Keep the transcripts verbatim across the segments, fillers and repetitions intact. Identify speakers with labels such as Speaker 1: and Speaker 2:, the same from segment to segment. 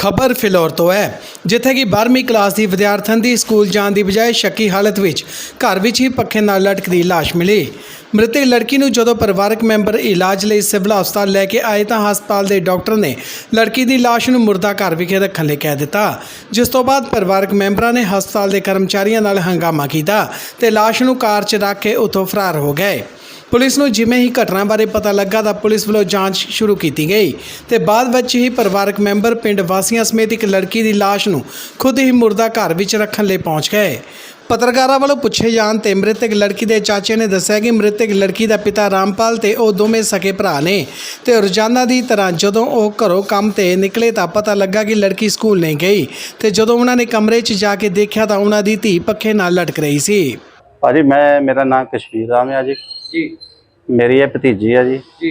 Speaker 1: खबर फिलौर तो है जिथे कि बारहवीं क्लास की विद्यार्थन की स्कूल जाने की बजाय शक्की हालत में घर में ही पखे नाल लटकदी लाश मिली। मृतक लड़की ਨੂੰ ਜਦੋਂ ਪਰਿਵਾਰਕ ਮੈਂਬਰ ਇਲਾਜ ਲਈ ਸਿਵਲ ਹਸਪਤਾਲ ਲੈ ਕੇ ਆਏ ਤਾਂ ਹਸਪਤਾਲ ਦੇ ਡਾਕਟਰ ਨੇ ਲੜਕੀ ਦੀ ਲਾਸ਼ ਨੂੰ ਮੁਰਦਾ ਘਰ ਵਿਖੇ ਰੱਖਣ ਲਈ ਕਹਿ ਦਿੱਤਾ, ਜਿਸ ਤੋਂ ਬਾਅਦ ਪਰਿਵਾਰਕ ਮੈਂਬਰਾਂ ਨੇ ਹਸਪਤਾਲ ਦੇ ਕਰਮਚਾਰੀਆਂ ਨਾਲ ਹੰਗਾਮਾ ਕੀਤਾ ਤੇ ਲਾਸ਼ ਨੂੰ ਕਾਰ 'ਚ ਰੱਖ ਕੇ ਉੱਥੋਂ ਫਰਾਰ ਹੋ ਗਏ। पुलिस ਨੂੰ ਜਿਵੇਂ ਹੀ ਘਟਨਾ ਬਾਰੇ ਪਤਾ ਲੱਗਾ ਤਾਂ ਪੁਲਿਸ ਵੱਲੋਂ ਜਾਂਚ ਸ਼ੁਰੂ ਕੀਤੀ ਗਈ ਤੇ ਬਾਅਦ ਵਿੱਚ ਹੀ ਪਰਿਵਾਰਕ ਮੈਂਬਰ ਪਿੰਡ ਵਾਸੀਆਂ ਸਮੇਤ ਇੱਕ ਲੜਕੀ ਦੀ ਲਾਸ਼ ਨੂੰ ਖੁਦ ਹੀ ਮੁਰਦਾ ਘਰ ਵਿੱਚ ਰੱਖਣ ਲਈ ਪਹੁੰਚ ਗਏ। ਪੱਤਰਕਾਰਾਂ ਵੱਲੋਂ ਪੁੱਛੇ ਜਾਣ ਤੇ ਮ੍ਰਿਤਕ ਲੜਕੀ ਦੇ ਚਾਚੇ ਨੇ ਦੱਸਿਆ ਕਿ ਮ੍ਰਿਤਕ ਲੜਕੀ ਦਾ ਪਿਤਾ ਰਾਮਪਾਲ ਤੇ ਉਹ ਦੋਵੇਂ ਸਕੇ ਭਰਾ ਨੇ ਤੇ ਰੋਜ਼ਾਨਾ ਦੀ ਤਰ੍ਹਾਂ ਜਦੋਂ ਉਹ ਘਰੋਂ ਕੰਮ ਤੇ ਨਿਕਲੇ ਤਾਂ ਪਤਾ ਲੱਗਾ ਕਿ ਲੜਕੀ ਸਕੂਲ ਨਹੀਂ ਗਈ ਤੇ ਜਦੋਂ ਉਹਨਾਂ ਨੇ ਕਮਰੇ 'ਚ ਜਾ ਕੇ ਦੇਖਿਆ ਤਾਂ ਉਹਨਾਂ ਦੀ ਧੀ ਪੱਖੇ ਨਾਲ ਲਟਕ ਰਹੀ ਸੀ।
Speaker 2: ਭਾਜੀ ਮੈਂ ਮੇਰਾ ਨਾਮ ਕਸ਼ਮੀਰ ਰਾਮ ਹੈ ਜੀ
Speaker 3: जी
Speaker 2: ਮੇਰੀ ਇਹ ਭਤੀਜੀ ਹੈ ਜੀ
Speaker 3: जी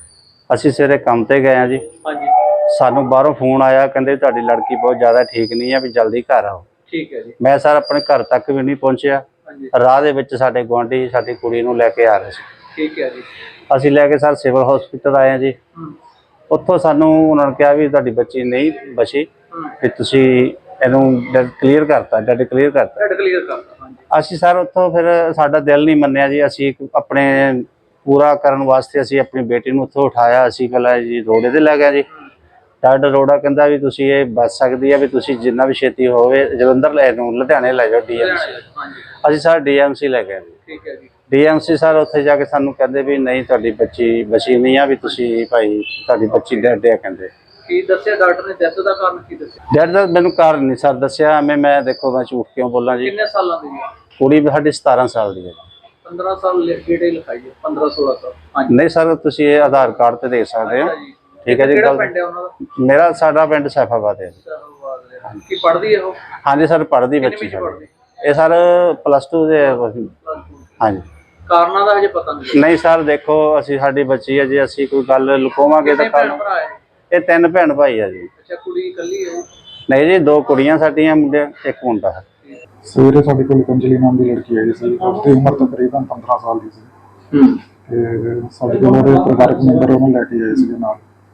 Speaker 2: ਅਸੀਂ ਸਵੇਰੇ ਕੰਮ ਤੇ ਗਏ ਆ ਜੀ।
Speaker 3: हाँ जी
Speaker 2: ਸਾਨੂੰ ਬਾਹਰੋਂ ਫੋਨ ਆਇਆ, ਕਹਿੰਦੇ ਤੁਹਾਡੀ ਲੜਕੀ ਬਹੁਤ ਜ਼ਿਆਦਾ ਠੀਕ ਨਹੀਂ ਹੈ ਵੀ ਜਲਦੀ ਘਰ ਆਓ।
Speaker 3: ठीक है जी
Speaker 2: ਮੈਂ ਸਰ ਆਪਣੇ ਘਰ ਤੱਕ ਵੀ ਨਹੀਂ ਪਹੁੰਚਿਆ।
Speaker 3: हाँ जी
Speaker 2: ਰਾਹ ਦੇ ਵਿੱਚ ਸਾਡੇ ਗੁਆਂਢੀ ਸਾਡੀ ਕੁੜੀ ਨੂੰ ਲੈ ਕੇ ਆ ਰਹੇ ਸੀ।
Speaker 3: ठीक है जी
Speaker 2: ਅਸੀਂ ਲੈ ਕੇ ਸਰ ਸਿਵਲ ਹਸਪੀਟਲ ਆਏ ਆ ਜੀ।
Speaker 3: हम्म,
Speaker 2: ਉੱਥੋਂ ਸਾਨੂੰ ਉਹਨਾਂ ਨੇ ਕਿਹਾ ਵੀ ਤੁਹਾਡੀ ਬੱਚੀ ਨਹੀਂ ਬਚੀ
Speaker 3: हम्म,
Speaker 2: ਵੀ ਤੁਸੀਂ ਇਹਨੂੰ ਡੈਡ ਕਲੀਅਰ ਕਰਤਾ ਡੈਡ ਕਲੀਅਰ ਕਰਤਾ।
Speaker 3: रेड क्लियर करता हाँ जी
Speaker 2: ਅਸੀਂ ਸਰ ਉੱਥੋਂ ਫਿਰ ਸਾਡਾ ਦਿਲ ਨਹੀਂ ਮੰਨਿਆ ਜੀ। ਅਸੀਂ ਇੱਕ ਆਪਣੇ ਪੂਰਾ ਕਰਨ ਵਾਸਤੇ ਅਸੀਂ ਆਪਣੀ ਬੇਟੀ ਨੂੰ ਉੱਥੋਂ ਉਠਾਇਆ। ਅਸੀਂ ਪਹਿਲਾਂ ਜੀ ਰੋੜੇ ਤੇ ਲੈ ਗਏ ਜੀ। ਡਾਕਟਰ ਰੋੜਾ ਕਹਿੰਦਾ ਵੀ ਤੁਸੀਂ ਇਹ ਬਚ ਸਕਦੀ ਹੈ ਵੀ ਤੁਸੀਂ ਜਿੰਨਾ ਵੀ ਛੇਤੀ ਹੋਵੇ ਜਲੰਧਰ ਲੈ ਨੂੰ ਲੁਧਿਆਣੇ ਲੈ ਜਾਓ ਡੀਐਮਸੀ।
Speaker 3: हाँ जी
Speaker 2: ਅਸੀਂ ਸਰ ਡੀਐਮਸੀ ਲੈ ਗਏ।
Speaker 3: ठीक है जी
Speaker 2: ਡੀਐਮਸੀ ਸਰ ਉੱਥੇ ਜਾ ਕੇ ਸਾਨੂੰ ਕਹਿੰਦੇ ਵੀ ਨਹੀਂ ਤੁਹਾਡੀ ਬੱਚੀ ਬਚੀ ਨਹੀਂ ਆ ਵੀ ਤੁਸੀਂ ਭਾਈ ਤੁਹਾਡੀ ਬੱਚੀ ਡੈਡ ਹੈ ਕਹਿੰਦੇ।
Speaker 3: की दस्या डॉक्टर ने डेथ का कारण की दस्या
Speaker 2: ਡੈਡ ਦਾ ਮੈਨੂੰ ਕਾਰਨ ਨਹੀਂ ਸਰ ਦੱਸਿਆ। ਐਵੇਂ ਮੈਂ ਦੇਖੋ ਮੈਂ ਝੂਠ ਕਿਉਂ ਬੋਲਾਂ ਜੀ।
Speaker 3: किन्ने सालों की है
Speaker 2: ਕੁੜੀ ਸਾਡੀ ਸਤਾਰਾਂ ਸਾਲ ਦੀ ਹੈ।
Speaker 3: पंद्रह साल डेटे लिखाई है पंद्रह सोलह साल हाँ जी
Speaker 2: ਨਹੀਂ ਸਰ ਤੁਸੀਂ ਇਹ ਆਧਾਰ ਕਾਰਡ ਤੇ ਦੇਖ ਸਕਦੇ ਹੋ।
Speaker 3: अच्छा जी
Speaker 2: ਠੀਕ ਹੈ ਜੀ।
Speaker 3: ਕਿਹੜਾ
Speaker 2: ਗੱਲ
Speaker 3: ਪਿੰਡ ਹੈ ਉਹਨਾਂ ਦਾ
Speaker 2: ਮੇਰਾ ਸਾਡਾ ਪਿੰਡ ਸੈਫਾਬਾਦ ਹੈ।
Speaker 3: ਕੀ ਪੜ੍ਹਦੀ ਹੈ ਉਹ
Speaker 2: ਹਾਂਜੀ ਸਰ ਪੜ੍ਹਦੀ
Speaker 3: ਕਿੰਨੇ
Speaker 2: ਬੱਚੀ
Speaker 3: ਵਿੱਚ
Speaker 2: ਸਾਡੀ।
Speaker 3: ਪੜ੍ਹਦੀ
Speaker 2: ਇਹ ਸਰ ਪਲੱਸ ਟੂ ਦੇ ਹਾਂਜੀ।
Speaker 3: ਕਾਰਨਾਂ ਦਾ ਹਜੇ ਪਤਾ ਨਹੀਂ
Speaker 2: ਨਹੀਂ ਸਰ ਦੇਖੋ ਅਸੀਂ ਸਾਡੀ ਬੱਚੀ ਹੈ ਜੀ। ਅਸੀਂ ਕੋਈ ਗੱਲ ਲੁਕਾਵਾਂਗੇ ਤਾਂ
Speaker 3: ਕਿੰਨੇ
Speaker 2: ਕੱਲ
Speaker 3: ਭੈਣ ਭਰਾ ਹੈ
Speaker 2: ਇਹ ਤਿੰਨ ਭੈਣ ਭਾਈ ਆ ਜੀ।
Speaker 3: ਅੱਛਾ ਕੁੜੀ ਇਕੱਲੀ ਹੈ
Speaker 2: ਨਹੀਂ ਜੀ ਦੋ ਕੁੜੀਆਂ ਸਾਡੀਆਂ ਮੁੰਡੇ ਇੱਕ ਮੁੰਡਾ ਹੈ।
Speaker 4: ਸਵੇਰੇ ਸਾਡੇ ਕੋਲ ਅੰਜਲੀ ਨਾਮ ਦੀ ਲੜਕੀ ਆਈ ਸੀ। ਉਸਦੀ ਉਮਰ ਤਕਰੀਬਨ ਪੰਦਰਾਂ ਸਾਲ ਦੀ ਸੀ
Speaker 3: ਹੂੰ
Speaker 4: ਤੇ ਸਾਡੇ ਕੋਲ ਉਹਦੇ ਪਰਿਵਾਰਕ ਮੈਂਬਰ ਉਹਨੂੰ ਲੈ ਕੇ ਆਏ ਸੀ ਨਾਲ।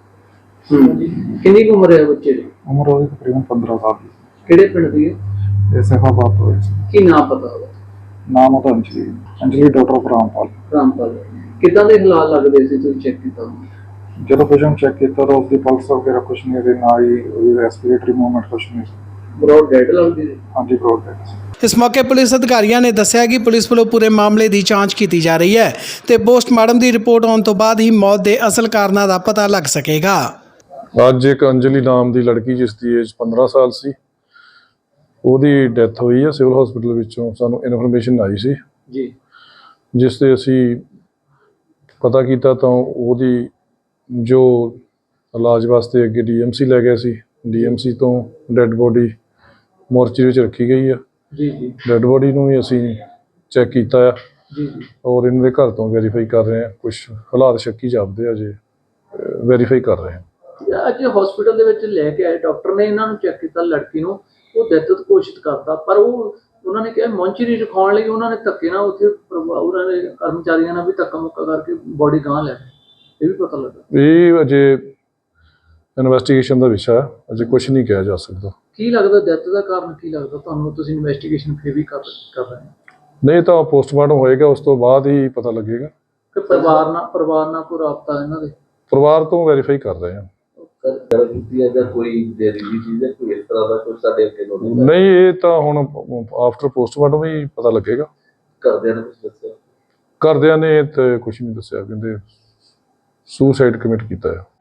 Speaker 3: ਹੂੰ ਕਿੰਨੀ ਕੁ ਉਮਰ ਹੈ ਬੱਚੇ ਦੀ
Speaker 4: ਉਮਰ ਉਹਦੀ ਤਕਰੀਬਨ ਪੰਦਰਾਂ ਸਾਲ ਦੀ ਸੀ।
Speaker 3: ਕਿਹੜੇ ਪਿੰਡ ਦੀ ਹੈ
Speaker 4: ਇਹ ਸੈਫਾਬਾਦ ਤੋਂ ਹੋਈ ਸੀ।
Speaker 3: ਕੀ ਨਾਮ ਪਤਾ ਹੋਵੇ
Speaker 4: ਨਾਮ ਉਹਦਾ ਅੰਜਲੀ ਅੰਜਲੀ ਡਾਕਟਰ ਆਫ ਰਾਮਪਾਲ।
Speaker 3: ਰਾਮਪਾਲ ਕਿੱਦਾਂ ਦੇ ਹਾਲਾਤ ਲੱਗਦੇ ਸੀ ਤੁਸੀਂ ਚੈੱਕ ਕੀਤਾ
Speaker 4: ਜਦੋਂ ਕੁਝ ਨੂੰ ਚੈੱਕ ਕੀਤਾ ਤਾਂ ਉਸਦੀ ਪਲਸ ਵਗੈਰਾ ਕੁਛ ਨਹੀਂ ਇਹਦੇ ਨਾ ਹੀ ਉਹਦੀ ਰੈਸਪੀਰੇਟਰੀ ਮੂਵਮੈਂਟ ਕੁਛ ਨਹੀਂ ਸੀ।
Speaker 3: ਬਰੋਡ ਡੈਡ ਲੱਗਦੀ ਸੀ
Speaker 4: ਹਾਂਜੀ ਬਰੋਡ ਡੈਡ ਸੀ।
Speaker 1: ਇਸ ਮੌਕੇ ਪੁਲਿਸ ਅਧਿਕਾਰੀਆਂ ਨੇ ਦੱਸਿਆ ਕਿ ਪੁਲਿਸ ਵੱਲੋਂ ਪੂਰੇ ਮਾਮਲੇ ਦੀ ਜਾਂਚ ਕੀਤੀ ਜਾ ਰਹੀ ਹੈ ਤੇ ਪੋਸਟਮਾਰਟਮ ਦੀ ਰਿਪੋਰਟ ਆਉਣ ਤੋਂ ਬਾਅਦ ਹੀ ਮੌਤ ਦੇ ਅਸਲ ਕਾਰਨਾਂ ਦਾ ਪਤਾ ਲੱਗ ਸਕੇਗਾ।
Speaker 5: ਅੱਜ ਇੱਕ ਅੰਜਲੀ ਨਾਮ ਦੀ ਲੜਕੀ ਜਿਸ ਦੀ ਏਜ ਪੰਦਰਾਂ ਸਾਲ ਸੀ, ਉਹਦੀ ਡੈਥ ਹੋਈ ਹੈ ਸਿਵਲ ਹਸਪੀਟਲ ਵਿੱਚੋਂ। ਸਾਨੂੰ ਇਨਫੋਰਮੇਸ਼ਨ ਆਈ ਸੀ
Speaker 3: ਜੀ
Speaker 5: ਜਿਸ ਤੇ ਅਸੀਂ ਪਤਾ ਕੀਤਾ ਤਾਂ ਉਹਦੀ ਜੋ ਇਲਾਜ ਵਾਸਤੇ ਅੱਗੇ ਡੀਐਮਸੀ ਲੈ ਗਏ ਸੀ। ਡੀਐਮਸੀ ਤੋਂ ਡੈੱਡ ਬੋਡੀ ਮੋਰਚਰੀ ਵਿੱਚ ਰੱਖੀ ਗਈ ਆ।
Speaker 3: ਜੀ ਜੀ
Speaker 5: ਡੈੱਡ ਬੋਡੀ ਨੂੰ ਵੀ ਅਸੀਂ ਚੈੱਕ ਕੀਤਾ ਆ
Speaker 3: ਜੀ ਜੀ
Speaker 5: ਔਰ ਇਹਨਾਂ ਦੇ ਘਰ ਤੋਂ ਵੈਰੀਫਾਈ ਕਰ ਰਹੇ ਹਾਂ। ਕੁਝ ਹਾਲਾਤ ਸ਼ੱਕੀ ਜਾਪਦੇ ਆ, ਜੇ ਵੈਰੀਫਾਈ ਕਰ ਰਹੇ ਹਾਂ।
Speaker 3: ਅੱਜ ਹਸਪੀਟਲ ਦੇ ਵਿੱਚ ਲੈ ਕੇ ਆਏ ਡਾਕਟਰ ਨੇ ਇਹਨਾਂ ਨੂੰ ਚੈੱਕ ਕੀਤਾ ਲੜਕੀ ਨੂੰ, ਉਹ ਡੈਥ ਘੋਸ਼ਿਤ ਕਰਤਾ ਪਰ ਉਹ ਉਹਨਾਂ ਨੇ ਕਿਹਾ ਮੌਂਚਰੀ ਰਖਾਉਣ ਲਈ ਉਹਨਾਂ ਨੇ ਧੱਕੇ ਨਾਲ ਉੱਥੇ ਉਹਨਾਂ ਦੇ ਕਰਮਚਾਰੀਆਂ ਨਾਲ ਵੀ ਧੱਕਾ ਮੁੱਕਾ ਕਰਕੇ ਬੋਡੀ ਗਾਂ ਲੈ ਇਹ ਵੀ ਪਤਾ ਲੱਗਾ।
Speaker 5: ਇਹ ਅਜੇ ਇਨਵੈਸਟੀਗੇਸ਼ਨ ਦਾ ਵਿਸ਼ਾ ਹੈ, ਅਜੇ ਕੁਝ ਨਹੀਂ ਕਿਹਾ ਜਾ ਸਕਦਾ।
Speaker 3: ਕੀ ਲੱਗਦਾ ਡੈਥ ਦਾ ਕਾਰਨ ਕੀ ਲੱਗਦਾ ਤੁਹਾਨੂੰ? ਤੁਸੀਂ ਇਨਵੈਸਟੀਗੇਸ਼ਨ ਫਿਰ ਵੀ ਕਰ ਕਰ ਰਹੇ ਹੋ
Speaker 5: ਨਹੀਂ ਤਾਂ ਪੋਸਟਮਾਰਟਮ ਹੋਏਗਾ, ਉਸ ਤੋਂ ਬਾਅਦ ਹੀ ਪਤਾ ਲੱਗੇਗਾ।
Speaker 3: ਕਿ ਪਰਿਵਾਰ ਨਾਲ ਪਰਿਵਾਰ ਨਾਲ ਕੋਈ ਰਾਬਤਾ ਇਹਨਾਂ ਦੇ
Speaker 5: ਪਰਿਵਾਰ ਤੋਂ ਵੈਰੀਫਾਈ ਕਰ ਰਹੇ ਹਾਂ।
Speaker 6: ਗੱਲ ਕੀਤੀ ਹੈ ਜਾਂ ਕੋਈ ਜ਼ਹਿਰੀਲੀ ਚੀਜ਼ ਹੈ ਕੋਈ ਇਸ ਤਰ੍ਹਾਂ ਦਾ ਕੁਝ ਸਾਡੇ ਅੱਗੇ ਨੋਟਿਸ
Speaker 5: ਨਹੀਂ ਇਹ ਤਾਂ ਹੁਣ ਆਫਟਰ ਪੋਸਟਮਾਰਟਮ ਹੀ ਪਤਾ ਲੱਗੇਗਾ।
Speaker 6: ਕਰਦਿਆਂ ਨੇ ਕੁਝ ਦੱਸਿਆ?
Speaker 5: ਘਰਦਿਆਂ ਨੇ ਤੇ ਕੁਝ ਨਹੀਂ ਦੱਸਿਆ, ਕਹਿੰਦੇ ਸੁਸਾਈਡ ਕਮਿਟ ਕੀਤਾ ਹੈ।